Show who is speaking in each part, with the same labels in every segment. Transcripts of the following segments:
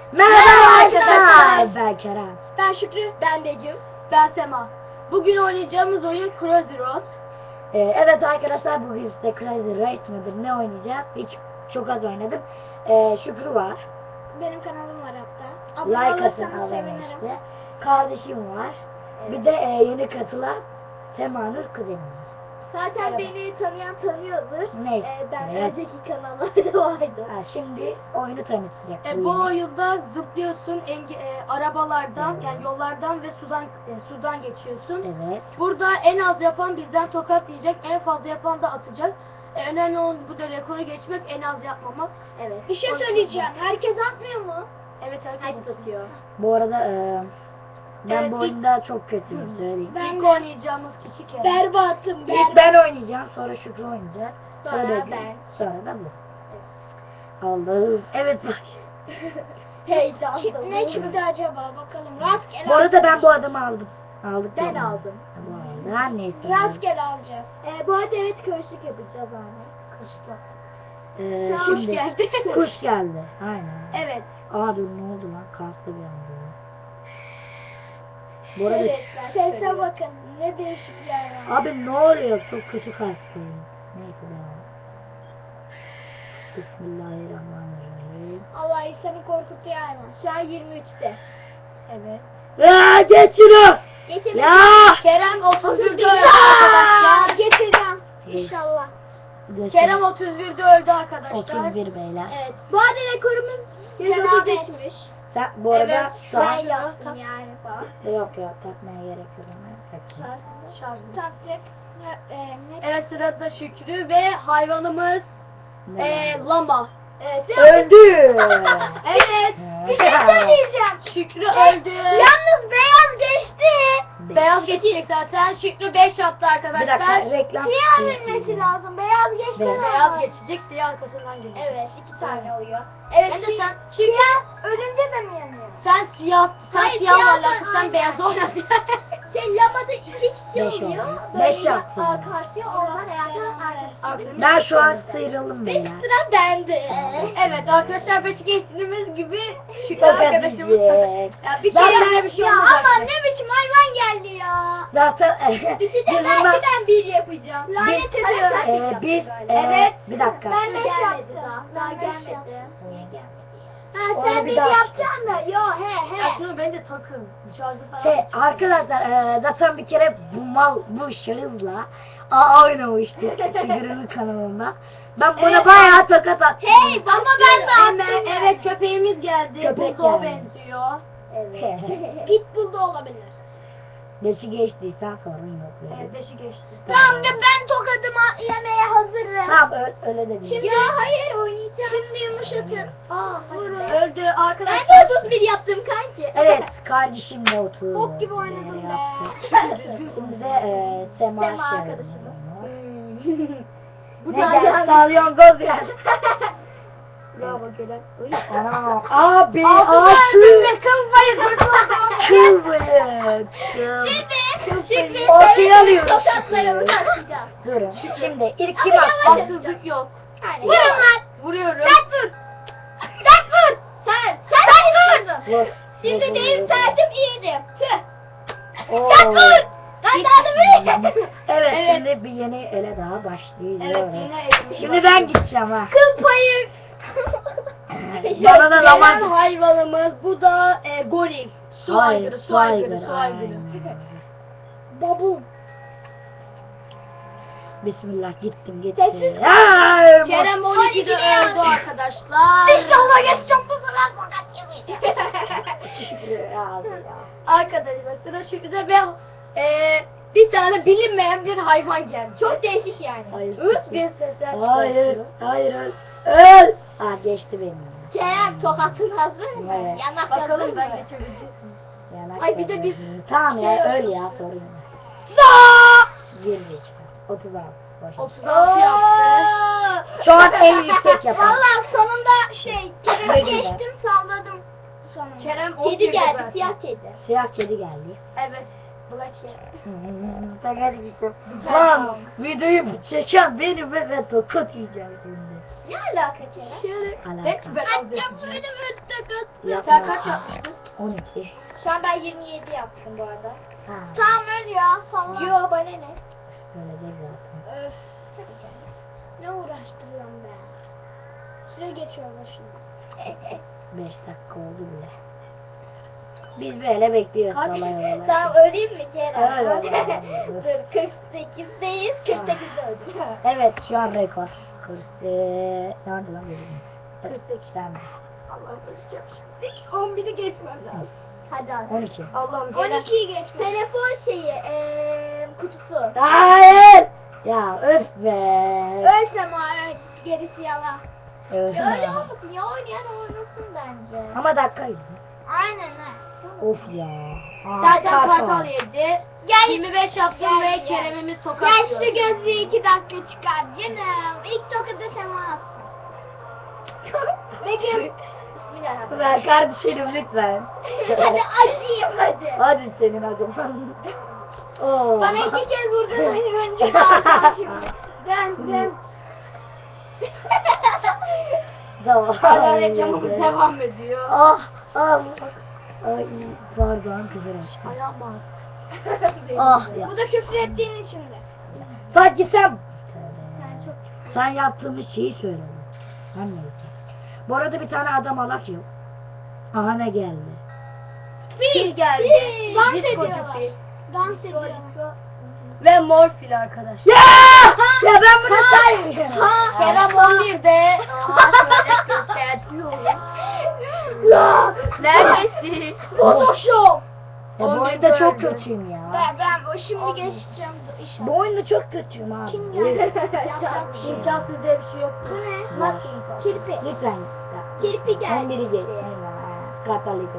Speaker 1: Merhaba arkadaşlar. Ben Kerem.
Speaker 2: Ben Şükrü. Ben Begüm. Ben Sema. Bugün oynayacağımız oyun Crazy Road.
Speaker 1: Evet arkadaşlar, bugün size Crazy Road mıdır ne oynayacağız? Çok az oynadım. Şükrü var.
Speaker 2: Benim kanalım var hatta.
Speaker 1: Like atın abone işte. Kardeşim var. Bir de yeni katılan Sema'nın kuzeni var.
Speaker 2: Zaten beni tanıyan tanıyordur.
Speaker 1: Neyse.
Speaker 2: Ben
Speaker 1: Evet.
Speaker 2: önceki kanallarda vardı.
Speaker 1: Şimdi oyunu tanıtacak.
Speaker 2: Bu oyunda zıplıyorsun arabalardan, yani yollardan ve sudan geçiyorsun.
Speaker 1: Evet.
Speaker 2: Burada en az yapan bizden tokat yiyecek, en fazla yapan da atacak. Önemli olan burada rekoru geçmek, en az yapmamak. Evet. Bir şey söyleyeceğim. Herkes atmıyor mu? Evet, herkes atıyor.
Speaker 1: Bu arada ben
Speaker 2: Evet,
Speaker 1: bu oyunda çok kötüyüm, söyleyeyim.
Speaker 2: İlk oynayacağımız kişi Kerem.
Speaker 3: Berbatım.
Speaker 1: İlk ben oynayacağım, sonra Şükrü oynayacak.
Speaker 2: Sonra
Speaker 1: Begüm,
Speaker 2: ben.
Speaker 1: Sonra da bu. Allah'ım. Evet bak.
Speaker 2: Heyecanlı.
Speaker 3: Ne çıktı acaba bakalım. Rastgele.
Speaker 1: Bu arada ben bu adamı aldım. Aldık
Speaker 2: Ben
Speaker 1: yani.
Speaker 2: aldım.
Speaker 1: Ha, bu arada her neyse.
Speaker 3: Rastgele alacağız.
Speaker 2: Bu arada evet, karışık yapacağız abi. Karışık yap. Kuş
Speaker 1: Şimdi
Speaker 2: geldi.
Speaker 1: kuş geldi. Aynen.
Speaker 2: Evet.
Speaker 1: Aa dur, ne oldu lan? Kastı bir anda. Bu arada
Speaker 3: Sese bakın. Ne değişik yani.
Speaker 1: abi ne oluyor? Çok kötü kastı. Neyse devam. Bismillahirrahmanirrahim.
Speaker 3: Allah insanı korkutuyor yani.
Speaker 2: Şu an 23'te. Evet.
Speaker 1: Aa, geç şunu.
Speaker 3: Getirdim.
Speaker 1: Ya.
Speaker 2: Kerem 31'de
Speaker 3: Ya,
Speaker 2: öldü arkadaşlar.
Speaker 3: getireceğim. İnşallah.
Speaker 1: Geç
Speaker 2: Kerem
Speaker 1: şunu.
Speaker 2: 31'de öldü arkadaşlar.
Speaker 1: 31 beyler.
Speaker 2: Evet. Bu arada rekorumuz 133'müş.
Speaker 1: Sen bu arada
Speaker 2: Evet,
Speaker 1: şu an
Speaker 3: Ben yaptım yani falan.
Speaker 1: yok takmaya gerek yok ama takacağım.
Speaker 2: Şarjlı.
Speaker 3: Taktık.
Speaker 2: Evet, sırada Şükrü ve hayvanımız
Speaker 1: Ne?
Speaker 2: lama. Evet.
Speaker 1: Öldü.
Speaker 2: Evet.
Speaker 3: Bir şey söyleyeceğim.
Speaker 2: Şükrü öldü.
Speaker 3: Yalnız beyaz geçti.
Speaker 2: Beyaz geçecek zaten. Şükrü 5 yaptı
Speaker 1: Bir dakika,
Speaker 2: arkadaşlar.
Speaker 1: reklam.
Speaker 3: Siyah vermesi lazım. Beyaz geçti.
Speaker 1: Evet.
Speaker 2: Beyaz geçecek, siyah arkasından gelecek.
Speaker 3: Evet, 2 tane oluyor.
Speaker 2: Evet,
Speaker 3: Hem de
Speaker 2: sen
Speaker 3: Siyah ölünce de mi yanıyor?
Speaker 2: sen siyah,
Speaker 3: Hayır,
Speaker 2: siyah
Speaker 3: siyah
Speaker 2: varlaksın, sen
Speaker 3: aynen.
Speaker 2: beyaz oynadın.
Speaker 3: Lamada 2 kişi
Speaker 1: Beş
Speaker 3: oluyor.
Speaker 1: oldu.
Speaker 3: Böyle
Speaker 1: Beş yaptım.
Speaker 3: arka arkaya oradan arkadaşlar.
Speaker 1: Ben şu an sıyrıldım beyler.
Speaker 3: Sıra bende.
Speaker 2: Evet arkadaşlar, beşik geçtiğimiz gibi Şükrü
Speaker 1: Tokat
Speaker 2: arkadaşımız
Speaker 1: yiyecek.
Speaker 2: ya bir
Speaker 1: Zaten-
Speaker 2: kere bir şey
Speaker 3: Ya
Speaker 2: olmayacak.
Speaker 3: ama ne biçim hayvan geldi ya.
Speaker 1: Zaten
Speaker 3: Düşecek,
Speaker 1: biz
Speaker 3: belki
Speaker 1: bundan-
Speaker 3: ben 1 yapacağım. Lanet ediyorum.
Speaker 1: biz
Speaker 2: Evet.
Speaker 1: bir dakika.
Speaker 3: Ben 5
Speaker 2: Gelmedi
Speaker 3: yaptım.
Speaker 2: daha
Speaker 3: Ben beş
Speaker 2: gelmedi.
Speaker 3: yaptım. Niye gelmedi? Ha
Speaker 1: Onu
Speaker 3: sen
Speaker 1: bir
Speaker 3: 1
Speaker 1: daha-
Speaker 3: yapacaksın da. Yo he.
Speaker 2: Aslında bence takın. Şarjı falan.
Speaker 1: Arkadaşlar zaten bir kere bu şahızla oynamıştık Şükrü'nün kanalında. Ben buna
Speaker 2: Evet.
Speaker 1: bayağı tokat attım.
Speaker 3: Hey ama ben de attım.
Speaker 2: Evet, köpeğimiz geldi.
Speaker 1: Köpek
Speaker 2: Bulldog'a
Speaker 1: geldi.
Speaker 2: benziyor.
Speaker 3: Pitbull da olabilir.
Speaker 1: Beşi geçtiysen sorun yok. böyle.
Speaker 2: Evet, beşi geçti.
Speaker 3: Tamam da ben tokadımı yemeye hazırım.
Speaker 1: Tamam öyle de değil.
Speaker 3: Şimdi hayır oynayacağım. Şimdi yumuşatın. Vurun.
Speaker 2: Öldü
Speaker 3: Ben
Speaker 2: arkadaşlar.
Speaker 3: de 31 yaptım kanki.
Speaker 1: Evet, kardeşim de oturdu.
Speaker 3: Bok gibi oynadım be.
Speaker 1: Şimdi de Sema
Speaker 3: Sema
Speaker 1: şey
Speaker 3: arkadaşım.
Speaker 1: oynuyor.
Speaker 2: Bu
Speaker 1: Ne
Speaker 2: da
Speaker 1: geldi?
Speaker 2: geldi.
Speaker 1: Salyangoz geldi.
Speaker 2: Bravo Kerem.
Speaker 1: Ana, abi,
Speaker 2: Altın kıl bayı
Speaker 1: kıl bıyık.
Speaker 3: Şimdi
Speaker 1: Ortaya alıyoruz.
Speaker 3: tokatlarımı atacağım.
Speaker 1: Durun. Şimdi ilk kim
Speaker 3: Ama
Speaker 1: attı?
Speaker 3: yavaş.
Speaker 2: Haksızlık yok.
Speaker 3: Vurun lan.
Speaker 2: Vuruyorum.
Speaker 3: Sen vur. Sen vur. Sen vurdun.
Speaker 1: Vur.
Speaker 3: Şimdi
Speaker 1: Vur,
Speaker 3: benim
Speaker 1: vur,
Speaker 3: saatim iyiydi. Tüh.
Speaker 1: Oo.
Speaker 3: Sen vur. Ben daha da vurayım.
Speaker 1: Evet,
Speaker 2: Evet.
Speaker 1: şimdi bir yeni ele daha başlıyoruz.
Speaker 2: Evet, yine elimiz
Speaker 1: Şimdi
Speaker 2: var.
Speaker 1: ben gideceğim ha.
Speaker 3: Kıl payı.
Speaker 1: Bana da
Speaker 2: Gelen
Speaker 1: zaman.
Speaker 2: hayvanımız bu da goril. Su
Speaker 1: Hayır,
Speaker 2: aygırı, su aygırı, su
Speaker 1: aynen.
Speaker 2: aygırı.
Speaker 3: Babum.
Speaker 1: Bismillah, gittim.
Speaker 3: Sessiz.
Speaker 1: Ay,
Speaker 2: Kerem
Speaker 3: Hadi
Speaker 2: 12'de
Speaker 3: gidiyoruz.
Speaker 2: öldü arkadaşlar.
Speaker 3: İnşallah geçeceğim bu sefer tokat
Speaker 2: Arkadaşlar sıra Şükrü'de ve bir tane bilinmeyen bir hayvan geldi.
Speaker 3: Çok değişik yani.
Speaker 1: Hayır.
Speaker 2: Üst bir sesler
Speaker 1: Hayır,
Speaker 2: çıkartıyor.
Speaker 1: hayır, öl. Aa, geçti benim.
Speaker 3: Kerem tokatın hazır mı?
Speaker 1: Evet.
Speaker 3: Yanak hazır
Speaker 2: Bakalım
Speaker 3: mı?
Speaker 2: ben geçebilecek miyim?
Speaker 1: Yanak
Speaker 2: Ay, bir de
Speaker 1: tabii.
Speaker 2: biz-
Speaker 1: Tamam ya,
Speaker 2: şey
Speaker 1: öl ya, sorun yok. Gir geç. 36. Boş.
Speaker 2: 36 yaptı.
Speaker 1: Şu an en yüksek yapan.
Speaker 3: Valla sonunda Kerem'i
Speaker 1: Ne güzel.
Speaker 3: geçtim salladım. Sonunda.
Speaker 2: Kerem
Speaker 3: Kedi
Speaker 2: 11'de
Speaker 3: geldi,
Speaker 2: zaten.
Speaker 3: siyah kedi.
Speaker 1: Siyah kedi geldi.
Speaker 2: Evet. Black Cat.
Speaker 1: Ben hadi gittim. Lan videoyu çeken benim ve tokat yiyeceğim şimdi.
Speaker 3: Ne alaka Kerem?
Speaker 1: Alaka.
Speaker 2: Belki ben az
Speaker 3: Atacağım
Speaker 2: yapacağım.
Speaker 3: böyle
Speaker 1: Yapma.
Speaker 2: Sen kaç yapmıştın?
Speaker 1: 12.
Speaker 3: Şu an ben 27 yaptım bu arada.
Speaker 1: Ha.
Speaker 3: Tamam öyle ya falan. Yo bana ne?
Speaker 1: Ölecek zaten.
Speaker 3: Öf. Ne uğraştırıyorum ben. Süre geçiyor başına.
Speaker 1: 5 dakika oldu bile. Biz böyle bekliyoruz.
Speaker 2: Kaç?
Speaker 1: Vallahi öyle.
Speaker 3: Tamam öleyim mi Kerem?
Speaker 1: Öyle.
Speaker 3: Dur 48'deyiz. 48'de öldüm.
Speaker 1: Evet şu an rekor. 40. Nerede lan benim?
Speaker 2: 48.
Speaker 1: Sen.
Speaker 2: Allah'ım öleceğim şimdi. 11'i geçmem lazım.
Speaker 3: Hadi hadi.
Speaker 1: 12.
Speaker 2: Allah'ım gelen.
Speaker 3: 12'yi geç. Telefon şeyi kutusu.
Speaker 1: Hayır. Ya öf be.
Speaker 3: Ölsem o gerisi yalan.
Speaker 1: Öf.
Speaker 3: Ya öyle olmasın ya oynayan oynasın bence.
Speaker 1: Ama dakikaydı.
Speaker 3: Aynen ha.
Speaker 1: Of ya. Aa,
Speaker 2: Zaten
Speaker 1: kartal.
Speaker 2: kartal yedi.
Speaker 3: Gel.
Speaker 2: 25 yaptım
Speaker 3: Gel,
Speaker 2: ve
Speaker 3: gel.
Speaker 2: Kerem'imiz
Speaker 3: Gel
Speaker 2: tokatlıyor.
Speaker 3: şu gözlüğü 2 dakika çıkar canım. İlk tokadı sen atsın. Begüm. Bismillahirrahmanirrahim.
Speaker 1: Ver kardeşim lütfen.
Speaker 3: Hadi acıyım hadi.
Speaker 1: Hadi senin acım. Oo.
Speaker 3: Bana 2 kez vurdun önce kaldım şimdi. Dön.
Speaker 1: Tamam.
Speaker 2: Hala reklamımız devam ediyor.
Speaker 1: Ah. Ay pardon küfür ettim.
Speaker 2: Ayağım ağrıyor.
Speaker 1: Ah ya.
Speaker 3: Bu da küfür ettiğin için de.
Speaker 1: Sanki sen
Speaker 3: Sen çok
Speaker 1: sen yaptığımız şeyi söyledin. Sen neyse. Bu arada bir tane adam alak yok. Aha ne geldi.
Speaker 2: Fil geldi.
Speaker 3: Dans
Speaker 2: Disco
Speaker 3: ediyorlar.
Speaker 2: fil.
Speaker 3: Dans ediyorlar.
Speaker 2: Ve mor fil arkadaşlar.
Speaker 1: Ya! Ya ben bunu saymıyorum.
Speaker 3: Ha,
Speaker 2: Kerem 11'de.
Speaker 1: Ya!
Speaker 2: Neredesin?
Speaker 3: Photoshop.
Speaker 1: Ya bu
Speaker 2: 11
Speaker 1: oyunda çok
Speaker 2: böldü.
Speaker 1: kötüyüm ya.
Speaker 3: Ben bu şimdi geçeceğim inşallah.
Speaker 1: Bu oyunda çok kötüyüm abi.
Speaker 3: Kim geldi?
Speaker 2: İmkansız diye bir şey yok.
Speaker 3: Bu ne?
Speaker 1: Var.
Speaker 3: Kirpi.
Speaker 1: Lütfen.
Speaker 3: Kirpi geldi.
Speaker 1: 11'i geç. Katalık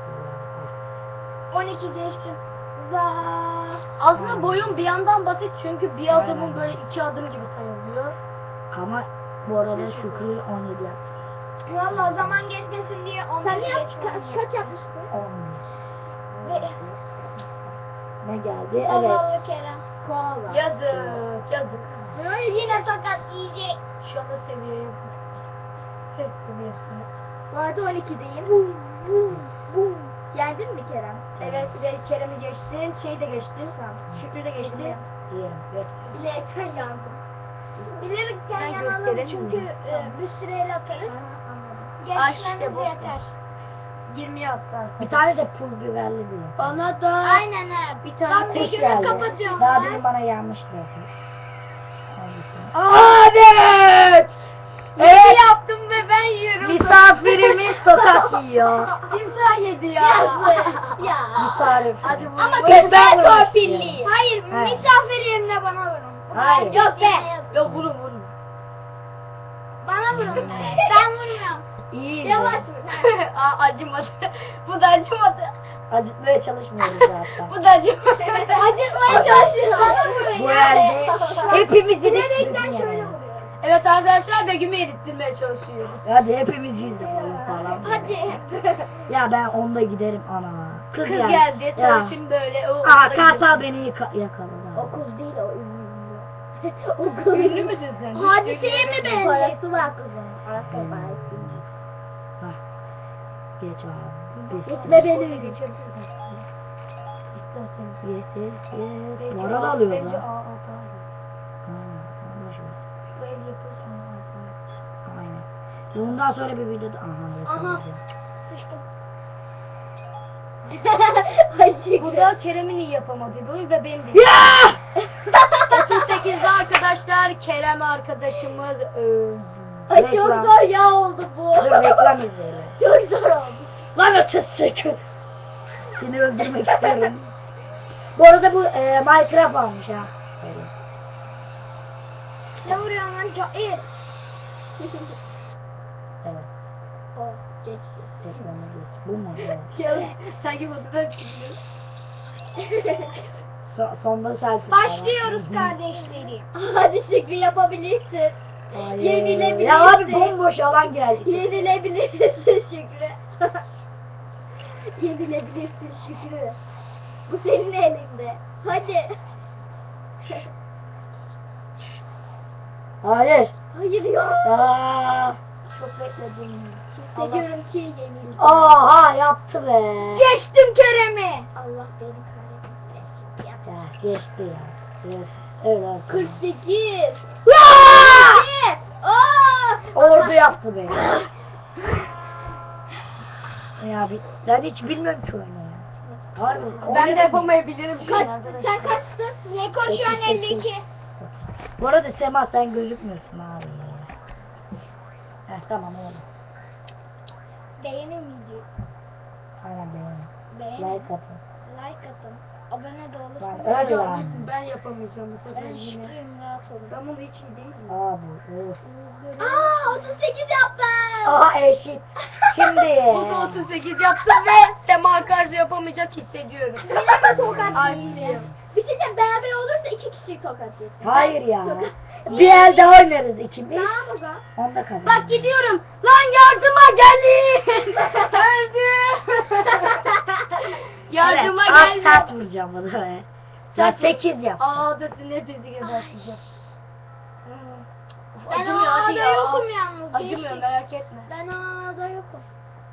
Speaker 3: 12 geçtim. Vaa.
Speaker 2: Aslında boyun bir yandan basit çünkü bir adımın böyle 2 adım gibi sayılıyor.
Speaker 1: Ama bu arada Şükrü 17 yaptı.
Speaker 3: Valla zaman geçmesin diye 11
Speaker 2: Sen
Speaker 3: kaç yapmıştın?
Speaker 1: 11. Ne geldi? Evet.
Speaker 3: Zavallı Kerem.
Speaker 1: Koala.
Speaker 2: Yazık.
Speaker 3: Böyle yine tokat yiyecek.
Speaker 2: Şu anda seviye yok. Ses seviyesi.
Speaker 3: Vardı 12'deyim. Bum. Yendin mi Kerem?
Speaker 2: Evet, Kerem'i geçtin, şey de geçtin. Şükrü de geçti.
Speaker 1: Diyelim. Göster.
Speaker 3: Bilerekten yandım. Bilerekten
Speaker 2: Ben
Speaker 3: yanalım
Speaker 2: gösterelim
Speaker 3: çünkü
Speaker 2: mi?
Speaker 3: bir süreyle atarız.
Speaker 2: Ay,
Speaker 3: Geçmemiz
Speaker 2: işte boş
Speaker 3: yeter.
Speaker 2: ver. 20 attı arkadaşlar.
Speaker 1: Bir tane de pul biberli diyor.
Speaker 2: Bana da
Speaker 3: Aynen ha.
Speaker 2: bir tane
Speaker 3: Bak
Speaker 1: kuş
Speaker 3: Begüm'ü
Speaker 1: geldi.
Speaker 3: kapatıyorum
Speaker 1: Daha
Speaker 3: ben.
Speaker 1: demin bana gelmişti. Hangisi?
Speaker 2: Evet. Evet. yaptım ve ben yiyorum.
Speaker 1: Misafirimiz tokat yiyor.
Speaker 2: Timsah yedi ya.
Speaker 3: Ya.
Speaker 1: Misafir.
Speaker 2: Hadi vurun.
Speaker 3: Ama
Speaker 1: Evet,
Speaker 3: kötü
Speaker 1: ben vurmak
Speaker 3: torpilli.
Speaker 1: istiyorum.
Speaker 3: Hayır,
Speaker 1: He.
Speaker 3: misafir yerine bana vurun.
Speaker 1: Hayır.
Speaker 3: Yok be.
Speaker 2: Ya vurun.
Speaker 3: Bana vurun be. Ben vurmuyorum.
Speaker 1: İyi.
Speaker 3: Yavaş vur.
Speaker 2: Aa, acımadı. Bu da acımadı.
Speaker 1: Acıtmaya çalışmıyoruz zaten.
Speaker 2: Bu da acımadı.
Speaker 3: Acıtmaya çalışıyorum. Bana vurun
Speaker 1: Bu
Speaker 3: ya.
Speaker 1: elde hepimiz
Speaker 3: Bilerekten
Speaker 1: yedik.
Speaker 3: şöyle vuruyorum.
Speaker 2: Evet arkadaşlar Begüm'ü erittirmeye çalışıyoruz.
Speaker 1: Hadi hepimiz yüzde falan.
Speaker 3: Hadi.
Speaker 1: Ya ben onda giderim ana.
Speaker 2: Kız geldi.
Speaker 1: Ya.
Speaker 2: Sarışın böyle. O
Speaker 1: Aa
Speaker 2: da
Speaker 1: kartal
Speaker 2: gidiyor.
Speaker 1: beni yakaladı.
Speaker 3: Okul değil o ünlü.
Speaker 2: Ünlü müsün sen?
Speaker 3: Hadiseye mi benziyor?
Speaker 2: Parası
Speaker 3: var kızım. Parası var.
Speaker 1: Hah. Geç abi.
Speaker 3: Gitme beni.
Speaker 2: İstersen.
Speaker 1: Yes. Moral alıyor
Speaker 2: Bence
Speaker 1: lan.
Speaker 2: aa,
Speaker 1: Boş ver.
Speaker 2: Bu el yapıyorsun.
Speaker 1: Aynen. Bundan sonra bir videoda aha yakalayacağım.
Speaker 3: Sıçtım.
Speaker 2: Bu da Kerem'in iyi yapamadığı bölüm ve benim de.
Speaker 1: Ya!
Speaker 2: 38'de arkadaşlar Kerem arkadaşımız öldü.
Speaker 3: Ay çok
Speaker 1: Reklam.
Speaker 3: zor ya oldu bu.
Speaker 1: Dur reklam izleyelim.
Speaker 3: Çok zor oldu.
Speaker 1: Lan ötesi. Seni öldürmek istiyorum. Bu arada bu Minecraft almış ha. Öyle.
Speaker 3: Ne vuruyorsun lan? Cair.
Speaker 1: Evet.
Speaker 3: Oh geçti.
Speaker 1: Reklamı geç. Bu mu? Evet.
Speaker 2: Ya sanki bu da
Speaker 1: Sonda selfie.
Speaker 3: Başlıyoruz kardeşlerim. Hadi Şükrü yapabilirsin.
Speaker 1: Hayır.
Speaker 3: Yenilebilirsin.
Speaker 1: Ya abi bomboş alan geldi.
Speaker 3: Yenilebilirsin Şükrü. Yenilebilirsin Şükrü. Bu senin elinde. Hadi.
Speaker 1: Hayır.
Speaker 3: Hayır ya.
Speaker 1: Aa,
Speaker 2: Çok bekledim.
Speaker 3: Hissediyorum ki yenildim.
Speaker 1: oha yaptı be.
Speaker 3: Geçtim Kerem'i. Allah beni kahretsin.
Speaker 1: Ya geçti ya. Evet, öyle olsun.
Speaker 3: 48.
Speaker 1: Aa!
Speaker 3: Aa!
Speaker 1: Orada yaptı be. Ya ben hiç bilmiyorum ki oyunu ya. Harbi.
Speaker 2: Ben de yapamayabilirim şu
Speaker 3: Kaç,
Speaker 2: an arkadaşlar.
Speaker 3: sen kaçtın? Rekor şu an 52.
Speaker 1: Bu arada Sema sen gözükmüyorsun abi. Heh, tamam oğlum.
Speaker 3: Beğenin videoyu.
Speaker 1: Aynen beğenin.
Speaker 3: Beğenin.
Speaker 1: Like atın.
Speaker 3: Like atın. Abone de olursunuz.
Speaker 1: Yani öyle yani.
Speaker 2: Ben yapamayacağım bu sefer
Speaker 3: Ben
Speaker 2: yine.
Speaker 3: şıkkıyım, rahat olun.
Speaker 2: Ben bunu hiç iyi değilim.
Speaker 1: Abi. Of.
Speaker 3: Aa 38 yaptım.
Speaker 1: Aha eşit. Şimdi.
Speaker 2: Bu da 38 yaptım ve Sema karşı yapamayacak hissediyorum.
Speaker 3: Yine mi tokat
Speaker 2: Ay,
Speaker 3: yiyeceğim? Bir şey diyeceğim, beraber olursa 2 kişi tokat yiyeceğim.
Speaker 1: Hayır ya. Bir el daha oynarız ikimiz.
Speaker 3: Tamam o zaman.
Speaker 1: Onda kazanırız.
Speaker 2: Bak gidiyorum. Lan yardıma gelin. Öldüm. Yardıma
Speaker 1: Evet,
Speaker 2: gelin.
Speaker 1: sert vuracağım bunu be. Ya 8 yap.
Speaker 2: Aa da sizin hepinizi geberteceğim.
Speaker 3: Ben
Speaker 2: Acımıyor hadi
Speaker 3: A'da
Speaker 2: ya.
Speaker 3: yokum yalnız.
Speaker 2: Acımıyor
Speaker 3: geçtik.
Speaker 2: merak etme.
Speaker 3: Ben A'da yokum.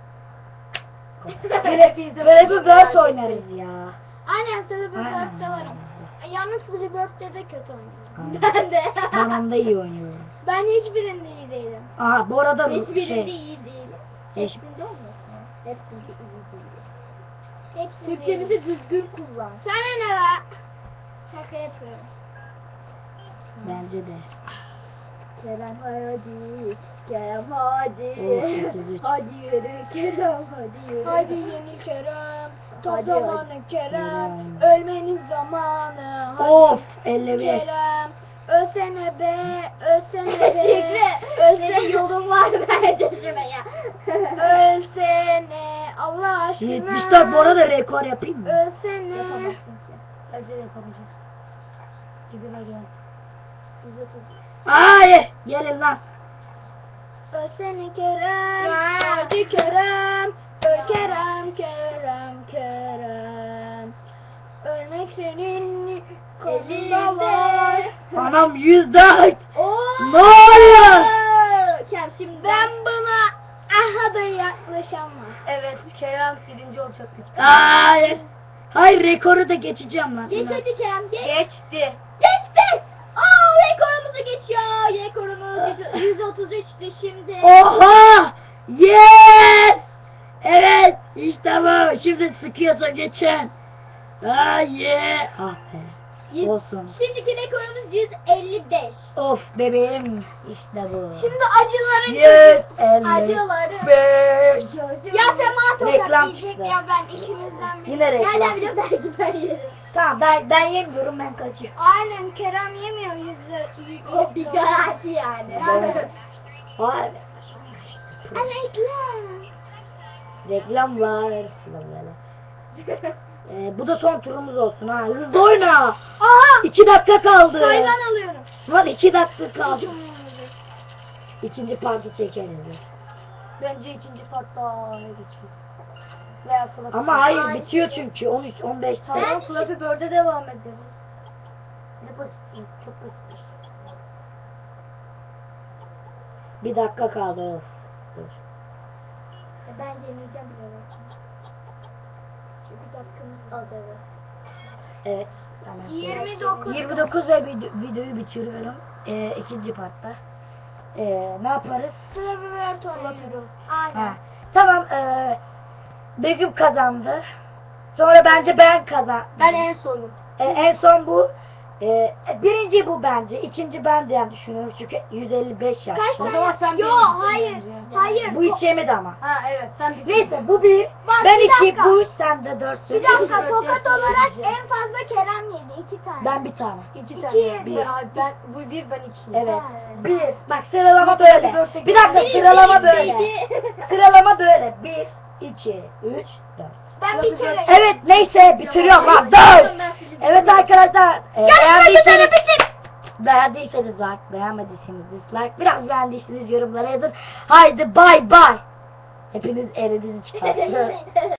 Speaker 1: Böyle bir dört oynarız ya.
Speaker 3: Aynen Silver
Speaker 1: Aynen.
Speaker 3: Bird'de varım. Yalnız Silver Bird'de de kötü oynuyorum.
Speaker 1: Aynen.
Speaker 3: Ben de.
Speaker 1: Ben onda iyi oynuyorum.
Speaker 3: Ben hiçbirinde iyi değilim.
Speaker 1: Aha bu arada bu
Speaker 3: Hiçbirinde
Speaker 1: şey.
Speaker 3: iyi değilim.
Speaker 1: Hiç-
Speaker 3: Hepsinde olmasın. Hepsinde iyi değilim. Hepsinde
Speaker 2: Türkçemizi düzgün kullan.
Speaker 3: Sana ne la? Şaka yapıyorum.
Speaker 1: Bence de.
Speaker 3: Kerem hadi, Kerem hadi.
Speaker 1: Oh, 33.
Speaker 3: Hadi yürü Kerem hadi yürü. Hadi yeni Kerem. Tam
Speaker 1: Hadi,
Speaker 3: zamanı
Speaker 1: hadi.
Speaker 3: Kerem.
Speaker 1: Yürü.
Speaker 3: Ölmenin zamanı. Hadi
Speaker 1: Of 55.
Speaker 3: Kerem. Ölsene be, ölsene be. Ölsene yolun var bence şuraya. Ölsene Allah aşkına.
Speaker 1: 74 bu arada rekor yapayım mı?
Speaker 3: Ölsene.
Speaker 2: Bence de yapamayacağız. Gidime gel.
Speaker 1: Hayır. Gelin lan.
Speaker 3: Ölsene Kerem. Hadi Kerem. Öl Kerem, Kerem, Kerem. Ölmek senin kolunda var.
Speaker 1: Anam 104.
Speaker 3: Oo.
Speaker 1: Ne oluyor?
Speaker 3: Kerem şimdi ben buna aha da yaklaşamam.
Speaker 2: Evet Kerem birinci olacak.
Speaker 1: Hayır. Hayır rekoru da geçeceğim lan.
Speaker 3: Geç hadi Kerem geç.
Speaker 2: Geçti.
Speaker 3: Geçti. Aa rekorumuzu geçiyor. Rekorumuz 133'tü şimdi.
Speaker 1: Oha! Yes! Evet, işte bu. Şimdi sıkıyorsa geçen. Ah yeah! Ah be. Olsun.
Speaker 3: Şimdiki rekorumuz 155.
Speaker 1: Of bebeğim. İşte bu.
Speaker 3: Şimdi acıların
Speaker 1: 155.
Speaker 3: acıları. Ya Sema tokat
Speaker 1: Reklam
Speaker 3: yiyecek
Speaker 1: çıktı.
Speaker 3: ya ben ikimizden biri.
Speaker 1: Yine reklam.
Speaker 3: Nereden biliyorum belki ben yerim.
Speaker 1: Tamam ben yemiyorum ben kaçıyorum.
Speaker 3: Aynen Kerem yemiyor o bir garanti yani.
Speaker 1: Hayır.
Speaker 3: Reklam.
Speaker 1: Reklamlar. Bu da son turumuz olsun ha. Hızlı oyna.
Speaker 3: Aha
Speaker 1: 2 dakika kaldı.
Speaker 3: hayvan alıyorum.
Speaker 1: Var 2 dakika kaldı. İkinci parti çekeriz.
Speaker 2: Bence ikinci partta geçiyor. Veya Flappy
Speaker 1: Ama
Speaker 2: Bird.
Speaker 1: hayır bitiyor çünkü 13 15
Speaker 2: Tamam
Speaker 1: tane.
Speaker 2: Flappy Bird'e devam ederiz. Ne basit, çok basit.
Speaker 1: Bir dakika kaldı. Of. Dur.
Speaker 3: Ben deneyeceğim biraz. Çünkü dakikamız az evet.
Speaker 1: Evet. Tamam.
Speaker 3: 29.
Speaker 1: 29 ve videoyu bitiriyorum. İkinci partta. Ne yaparız?
Speaker 3: Flappy Bird oynuyorum. Aynen.
Speaker 1: Ha. Tamam. Begüm kazandı. Sonra bence ben kazan.
Speaker 2: Ben en sonum.
Speaker 1: En son bu. Birinci bu bence. İkinci ben diye düşünüyorum. Çünkü 155 yaptı.
Speaker 3: Kaç
Speaker 2: O zaman sen
Speaker 3: tane? Yo
Speaker 2: birincisin
Speaker 3: hayır.
Speaker 2: bence.
Speaker 3: Hayır.
Speaker 1: Bu hiç yemedi ama.
Speaker 2: Ha evet sen bir
Speaker 1: Neyse bu bir.
Speaker 3: Bak,
Speaker 1: Ben
Speaker 3: bir
Speaker 1: 2,
Speaker 3: dakika.
Speaker 1: bu 3, sen de 4
Speaker 3: Bir dakika
Speaker 2: Dört
Speaker 3: tokat
Speaker 2: yaşında
Speaker 3: olarak
Speaker 2: yiyeceğim.
Speaker 3: en fazla Kerem yedi. 2 tane.
Speaker 1: Ben bir tane.
Speaker 2: İki
Speaker 3: İki,
Speaker 2: tane.
Speaker 1: bir.
Speaker 2: Ben bu bir ben iki.
Speaker 1: Evet.
Speaker 3: Ha.
Speaker 1: Bir. Bak sıralama
Speaker 2: Yok,
Speaker 1: böyle.
Speaker 2: dörtte
Speaker 1: Bir dakika
Speaker 3: Bir,
Speaker 1: sıralama
Speaker 3: bir,
Speaker 1: böyle.
Speaker 3: bir.
Speaker 1: Sıralama böyle. 1, 2, 3, 4.
Speaker 3: Ben bir kere.
Speaker 1: Evet neyse bitiriyorum lan. 4. Evet arkadaşlar. Beğendiyseniz like, beğenmediyseniz dislike. Biraz beğendiyseniz yorumlara yazın. Haydi bay bay. Hepiniz elinizi çıkartın.